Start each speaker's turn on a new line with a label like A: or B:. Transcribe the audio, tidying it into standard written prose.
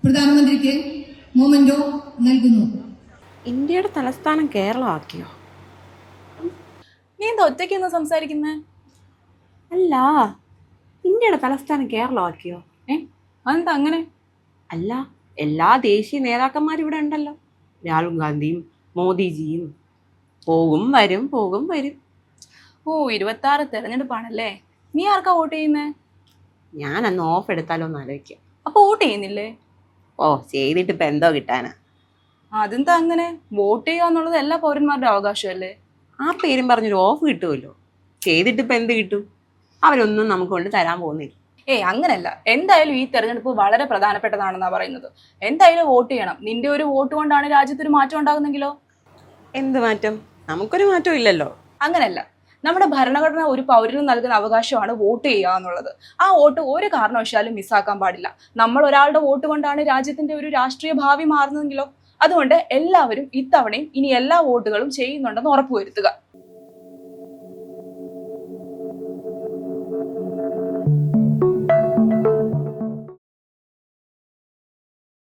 A: പ്രധാനമന്ത്രിക്ക് മൊമെന്റോ നൽകുന്നു.
B: ഇന്ത്യയുടെ തലസ്ഥാനം കേരളമാക്കിയോ?
C: നീ എന്താ ഒറ്റയ്ക്കൊന്ന് സംസാരിക്കുന്നേ?
B: അല്ല, ഇന്ത്യയുടെ തലസ്ഥാനം കേരളമാക്കിയോ?
C: അതെന്താ അങ്ങനെ?
B: അല്ല, എല്ലാ ദേശീയ നേതാക്കന്മാരും ഇവിടെ ഉണ്ടല്ലോ. രാഹുൽ ഗാന്ധിയും മോദിജിയും. പോകും വരും പോകും വരും.
C: ഓ, 26 തെരഞ്ഞെടുപ്പാണല്ലേ. നീ ആർക്കാ വോട്ട് ചെയ്യുന്നേ?
B: ഞാൻ അന്ന് ഓഫ് എടുത്താലോ എന്ന് ആലോചിക്കാം.
C: അപ്പൊ വോട്ട് ചെയ്യുന്നില്ലേ?
B: ഓ, ചെയ്തിട്ട് ഇപ്പൊ എന്തോ കിട്ടാനാ?
C: അതെന്താ അങ്ങനെ? വോട്ട് ചെയ്യുക എന്നുള്ളത് എല്ലാ പൗരന്മാരുടെ അവകാശമല്ലേ?
B: ആ പേരും പറഞ്ഞൊരു ഓഫ് കിട്ടുമല്ലോ. ചെയ്തിട്ട് ഇപ്പൊ എന്ത് കിട്ടും? അവരൊന്നും നമുക്ക് കൊണ്ട് തരാൻ പോകുന്നില്ല.
C: അങ്ങനല്ല. എന്തായാലും ഈ തെരഞ്ഞെടുപ്പ് വളരെ പ്രധാനപ്പെട്ടതാണെന്നാ പറയുന്നത്. എന്തായാലും വോട്ട് ചെയ്യണം. നിന്റെ ഒരു വോട്ട് കൊണ്ടാണ് രാജ്യത്തൊരു മാറ്റം ഉണ്ടാകുന്നെങ്കിലോ?
B: എന്ത് മാറ്റം? നമുക്കൊരു മാറ്റം ഇല്ലല്ലോ.
C: അങ്ങനല്ല. നമ്മുടെ ഭരണഘടന ഒരു പൗരന് നൽകുന്ന അവകാശമാണ് വോട്ട് ചെയ്യുക എന്നുള്ളത്. ആ വോട്ട് ഒരു കാരണവശാലും മിസ്സാക്കാൻ പാടില്ല. നമ്മൾ ഒരാളുടെ വോട്ട് കൊണ്ടാണ് രാജ്യത്തിന്റെ ഒരു രാഷ്ട്രീയ ഭാവി മാറുന്നതെങ്കിലോ? അതുകൊണ്ട് എല്ലാവരും ഇത്തവണയും ഇനി എല്ലാ വോട്ടുകളും ചെയ്യുന്നുണ്ടെന്ന് ഉറപ്പുവരുത്തുക.